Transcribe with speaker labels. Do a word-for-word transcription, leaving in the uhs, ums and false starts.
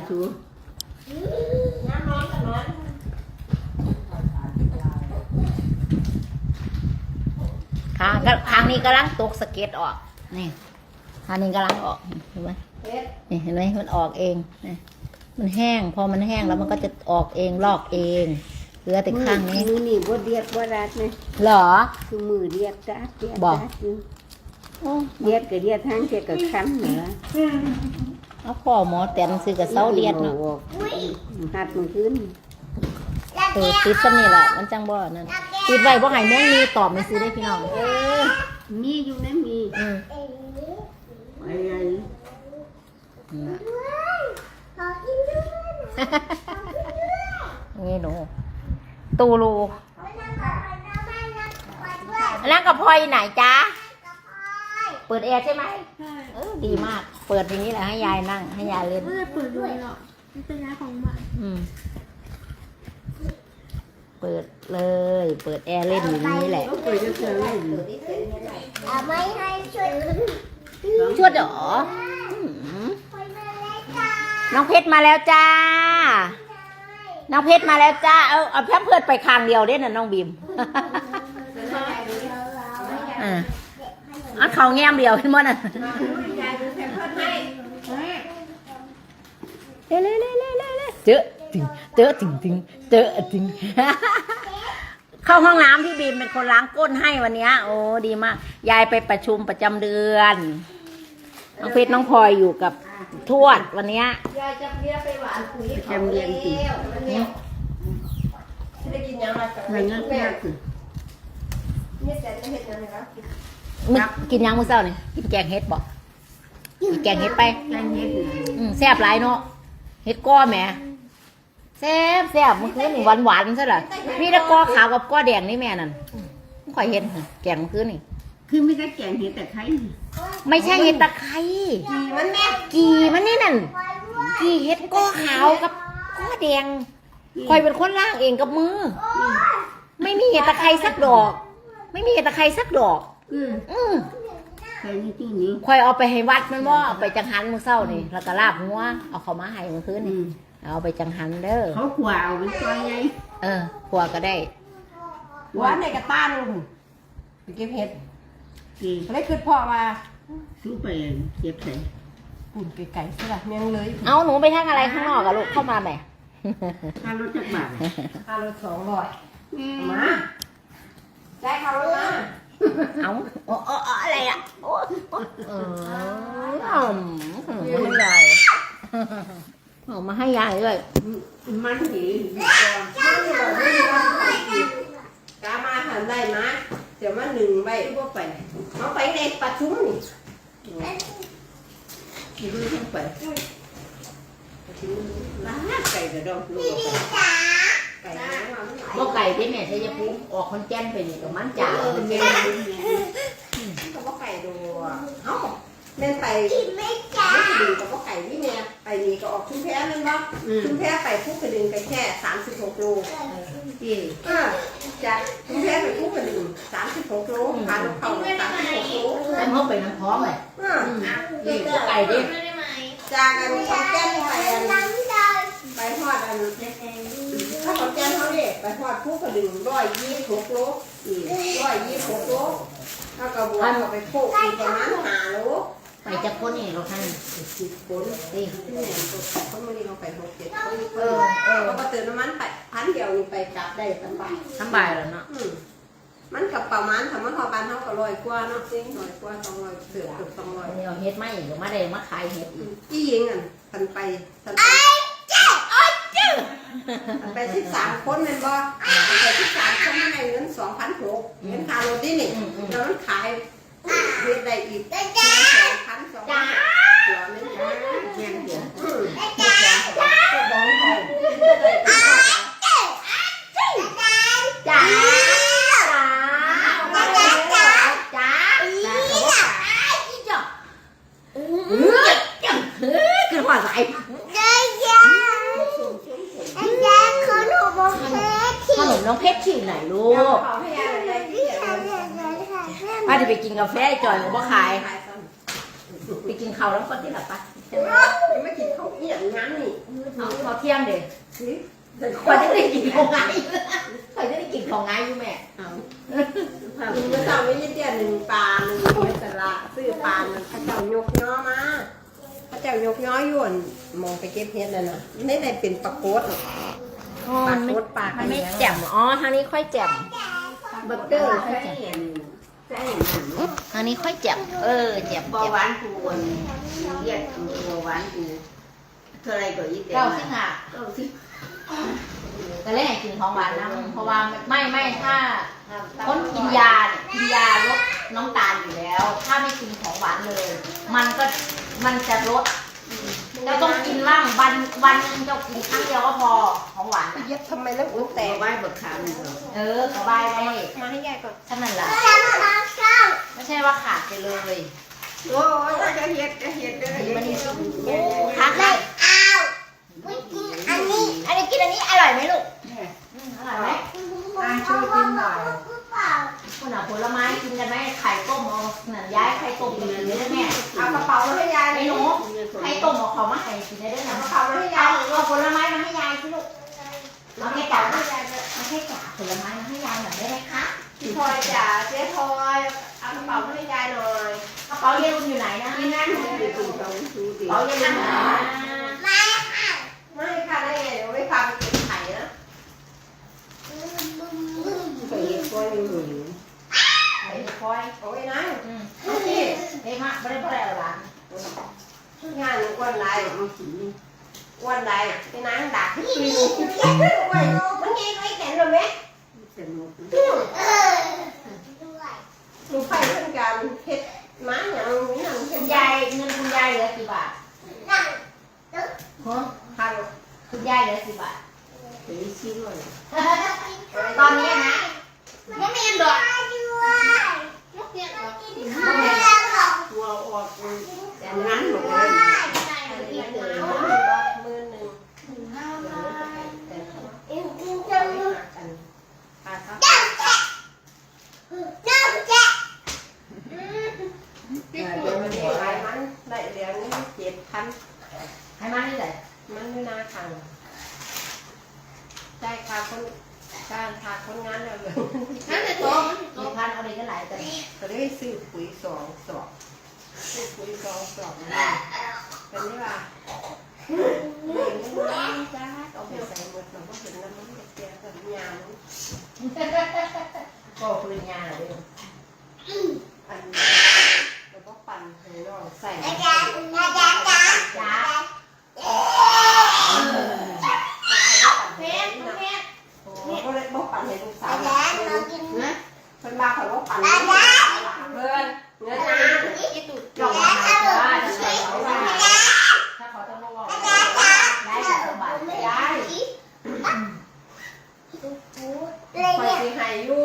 Speaker 1: ชู
Speaker 2: น้ำร้อนกับร้อน
Speaker 3: ข้างก็ข้างนี้กำลังตกสเก็ตออกนี่ข้างนี้กำลังออกเห็นไหมนี่เห็นไหมมันออกเองนี่มันแห้งพอมันแห้งแล้วมันก็จะออกเองลอกเองเหลือแต่ข้างนี้
Speaker 1: มือนี่บ่เดียดบ่รัดนะ
Speaker 3: เหรอ
Speaker 1: คือมือเดียดจัดเดียด
Speaker 3: บอก
Speaker 1: จัดอยู่เดียดก็เดียดทั้งเดียดก็คันเหรอ
Speaker 3: เอาพ่อหมอแต่งซื้อกับเสาเดียดเนาะ
Speaker 1: หัดมันขึ้น
Speaker 3: เออติดซะนี่แหละมันจังบ่นั่นติดไว้บ่ให้แม่งมีตอบไม่ซื้อได้พี่น้อง
Speaker 1: เออมีอยู่นะมี
Speaker 3: อืม
Speaker 1: อะไร
Speaker 3: นี่หนูตูรูแล้วกับพลอยไหนจ๊ะเปิดแอร์ใช่ไหมเออดีมากเปิดอย่างนี้แหละให้ยายนั่งให้ยายเล่น
Speaker 2: ไม่ได้เปิดด้วยหรอกมันเป็นยาของบ้าน
Speaker 3: อืมเปิดเลยเปิดแอร์เล่นอย่างนี้แหละ
Speaker 1: เปิดจะเจอเลย
Speaker 2: ไม่ให้ช่วย
Speaker 3: ชวดเหรอน้องเพชรมาแล้วจ้าน้องเพชรมาแล้วจ้าเอาเอาแพมเพิร์ดไปคางเดียวเด้น่ะน้องบีมอ่าอันเขาแง้มเดียวเห็นมั้ยน่ะเล่เล่เล่เล่เล่เจอถึงเจอถึงถึงเจอถึงเข้าห้องน้ำพี่บีมเป็นคนล้างก้นให้วันนี้โอ้ดีมากยายไปประชุมประจำเดือนน้องเพชรน้องพลอยอยู่กับทวดวันนี้
Speaker 2: ยายจะเลี้ยไปหวานคุย
Speaker 1: จำเรียนสิ
Speaker 2: ได้กินยังไงกับ
Speaker 1: มันน่ารักสิ
Speaker 2: นี่แต่จะเห็นยังไงครับ
Speaker 3: มึงกินยังมื้อเช้านี่กินแกงเห็ดบ่กินแกงเห็ดไป
Speaker 1: แกงเห็ด
Speaker 3: อืมแซ่บหลายเนาะเห็ดก้อแหมแซ่บแซ่บเมื่อคืนนี่หวานหวานซะล่ะมีแต่ก้อขาวกับก้อแดงนี่แม่นั่นไม่ค่อยเห็นแกงเมื่อคืนนี่
Speaker 1: คือไม่ใช่แกงเห็ดแต่ไข่
Speaker 3: ไม่ใช่เห็ดตะไคร้
Speaker 2: มันแม่
Speaker 3: กีมันนี่นั่นกีเห็ดก้อขาวกับก้อแดงคอยเป็นคนล่างเองกับมือไม่มีเห็ดตะไคร้สักดอกไม่มีเห็ดตะไคร้สักดอก
Speaker 1: อืม
Speaker 3: อืม
Speaker 1: ใครนี่ที่นี้
Speaker 3: คอยเอาไปให้วัดมันว่าเอาไปจังหันมื้อเช้านี่แล้วก็ลาบหัวเอาเข้ามาให้เมื่อคืนนี่เอาไปจังหันเด้อ
Speaker 1: เขาขวาวมันซอยไง
Speaker 3: เออขัวก็ได้
Speaker 2: หวานในกระต้านลุงไปเก็บเห็ด
Speaker 1: กี่
Speaker 2: ได้คือพ่อมา
Speaker 1: ซื้อไปเก็บใส่
Speaker 2: ปุ่นไก่ใช่ป่ะเมียงเลย
Speaker 3: เอาหนูไปทางอะไรข้างนอกอะลูกเข้ามาไหม
Speaker 1: ค่ารถจักบาท
Speaker 2: ค่ารถสองร้อยมาได้ค่ารถมา
Speaker 3: เอาโอ้อะไรอ่ะโอ้เออมันใหญ่เอามาให้ยายด้วย
Speaker 1: มันหี
Speaker 2: กามาหันได้มาเดี๋ยวมาหนึ่งใบก็ไปเขาไปในประชุมนี่
Speaker 1: กี่รุ่นทั้งไป
Speaker 2: ร้านไก่กระดองลูกไก่
Speaker 3: บ่ไก่ที่แม่ใช้ยาปูออกคนแจ้นไปนี่กับมันจ่า
Speaker 2: เขาบอกไก่ดูเอ้าเล่นไปไม่ดึงกับว่าไก่นี่เนี่ยไปนี่ก็ออกชุมแพ้นั่นบ่ชุมแพ้ไปพุ่งกระดึงกันแค่สามสิบหกโล
Speaker 1: กี่
Speaker 2: อ่าจากชุมแพ้ไปพุ่งกระดึงสามสิบหกโลพาลูกเขาสามสิบหกโล
Speaker 3: แล้วเขาไปน้ำท้องเลย
Speaker 2: อ่า
Speaker 3: นี่ไก่ดิ
Speaker 2: จากกันขอนแก่นไปไปทอดอันถ้าขอนแก่นเขาเนี่ยไปทอดพุ่งกระดึงร้อยยี่สิบหกโลร้อยยี่สิบหกโลถ้ากระบวนก็ไปโคกอีกประมาณห้าโล
Speaker 3: ไปจะพ้นเองหรอท่าน
Speaker 2: สิบคนนี่เขาไม่ได้เขาไปหกเจ็ดคนเออเออเขาก็เติมน้ำมันไปพันเดียวนี่ไปกลับได้สบาย
Speaker 3: สบายแล้วเนาะ
Speaker 2: มันกับประมาณทำมันพอบ้านเขาก็ลอยกว่าเนาะจริงลอยกว่าสองร้อยเสือเกือบสองร้อย
Speaker 3: นี่เราเฮ็ดไม่อีกมาได้มาขายเฮ็ดอีก
Speaker 2: ที่ยิงอ่ะทันไปทันไปไปที่สามคนเป็นบ่ไปที่สามคนให้เงินสองพันหกเงินค่ารถนี่นี่แล้วมันขายเฮ็ดได้อีกสองพันสองพันตัวนึงนะแม่เดี๋ยวจ้าจ้าจ้าจ้า
Speaker 3: คือหัวไหลขนมน้องเพชรที่ไหนลูกป้าจะไปกินกาแฟจอยของพ่อขายไปกินข้าวแล้วคนที่หลับปะ
Speaker 2: ยังไม่กินข้าวเอียงงั้นนี่
Speaker 3: เอาเขาเที่ยงเด็ก
Speaker 2: สิ
Speaker 3: คอยจะได้กินของไงคอยจะได้กินของไงอยู่แม่
Speaker 1: เอา
Speaker 2: กินเมื่อเช้าไม่ได้เตี้ยหนึ่งปลาหนึ่งเนื้อสละซื้อปลามันพระเจ้ายกย้อมาพระเจ้ายกย้อยวนมองไปเก็บเห็ดนั่นน่ะไม่ได้เป็นปลาโคตร ปลาโคตรปลา
Speaker 3: มันไม่แจ่มอ๋อทางนี้ค่อยแจ่ม
Speaker 1: บัตเตอร์ใส่เห็นใส่หนัง
Speaker 3: ทางนี้ค่อยแจ่มเออแจ่ม
Speaker 1: เบาหวานกูวนเรียกเบาหวานกูเท่าไรก็ยี่เต็ม
Speaker 3: เก้าสิบห้า
Speaker 1: เก้าสิบ
Speaker 3: แต่แรกกินของหวานนะเพราะว่าไม่ไม่ถ้าคนกินยาเนี่ยกินยาลดน้ำตาลอยู่แล้ว ถ้าไม่กินของหวานเลย มันก็มันจะลดเราต้องกินบ้างวันวันหนึงเรากินครั้งเดียวก็พอของหวานน่ะ
Speaker 2: เย็บทำไมแล้วอุ้งแต
Speaker 1: แต่
Speaker 2: ก
Speaker 1: ไว้บักขามนี่ก็
Speaker 3: เออสบายได้
Speaker 2: มาให้ยายก่อน
Speaker 3: ท่านั้นแหละไม่ใช่ว่าขาดไปเลย
Speaker 2: โอ้ยจะเห็ดจะเห็ดเลย
Speaker 3: มันนี่โอ้ขาดเลยอันนี้อันนี้กินอันนี้อร่อยไหมลูกอืมอร่อยไหม
Speaker 2: อ่ะช่วยกินหน่อย
Speaker 3: คุณเอาผลไม้กินกันไหมไข่ต้มเอาหนังย้ายไข่ต้มกินเลยได้แม่
Speaker 2: เอากระเป๋ามาให้ยาย
Speaker 3: ไอ้หนูไข่ต้มเอาเขามาให้กินได้ด้วยนะ
Speaker 2: กระเป๋ามาให้
Speaker 3: เอา
Speaker 2: ยาย
Speaker 3: เอาผลไม้มาให้ยายสิลูกเอาแค่จ๋าเอาแค่จ๋าผลไม้มาให้ยายหน่อยได้ไหมคะ
Speaker 2: พี่ทอยจ๋าเจ๊ทอยเอากระเป๋ามาให้ยายหน่อย
Speaker 3: กระเป๋าเยลุนอยู่ไหนนะ
Speaker 2: นี่นั่น
Speaker 1: ไปดูตรงดูดิ
Speaker 3: กระเป๋าเยลุนอยู่ไหนนะ
Speaker 2: ไม่ค่ะได้ไงเดี๋ยวไม่พาไปกินไข่นะ
Speaker 1: ไปเห็นก้อยอยู่หนู
Speaker 3: ไข่คอย
Speaker 2: โอ้ยนะ
Speaker 3: อืม
Speaker 2: โอเค
Speaker 3: เฮ้ยมาไม่ได้เพราะอะไรหรอก
Speaker 2: งานอ้วนไร
Speaker 1: เอาสี
Speaker 2: อ้วนไรไปนั่งดักที่ปีนโอ้ยมันยิงไอ้แขนเลยไหม
Speaker 1: สนุก
Speaker 2: ดูไฟเรื่องการเฮ็ดม้าอย่างนี้นั่งเฮ็
Speaker 3: คุ
Speaker 2: ด
Speaker 3: ณยายเงินคุณยายเหลือกี่บาทฮะ
Speaker 2: พัน
Speaker 3: คุณยายเหลือกี่บาท
Speaker 1: สีสีด้วย
Speaker 3: ตอนนี้นะไม่มีดอก
Speaker 2: ตัวออก
Speaker 1: แต่งั้นหมดเลย
Speaker 2: มือหนึ่งอาครับเดี๋ยวมันได้ไรมันได้เหรียญเจ็ดพัน
Speaker 3: ให้มาที่ไหน
Speaker 2: มันไม่น่าขังได้ค่ะคนการทาคนงานแล้วเลย
Speaker 3: นั่นแต่ตัวกี่พันเอาเลยก็หลายแต่
Speaker 2: ก็ได้ซื้อปุ๋ยสองสอบซื้อปุ๋ยสองสอบมาเป็นนี่ว่าเงินจ้าเอาไปใส่หมดเราก็เห็นแล้วมันจะเสียกับยาม
Speaker 3: ก็ปืนยาเลย
Speaker 2: อันเราก็ปั่นให้น้องใส่
Speaker 3: จ้า
Speaker 2: เพชรเพชรโอ้ก็เลยบอกปั่นให้ลูกสาวนะเพิ่นมาขอว่าปั่นให้ลูกสาวเพิ่นเงินนะยี่ตุ่
Speaker 3: ลองมาหาจ้าจะใส่เขาว่าถ้าเขาต้องบอกได้แต่สบาย
Speaker 2: ได้คอยสิให้อยู่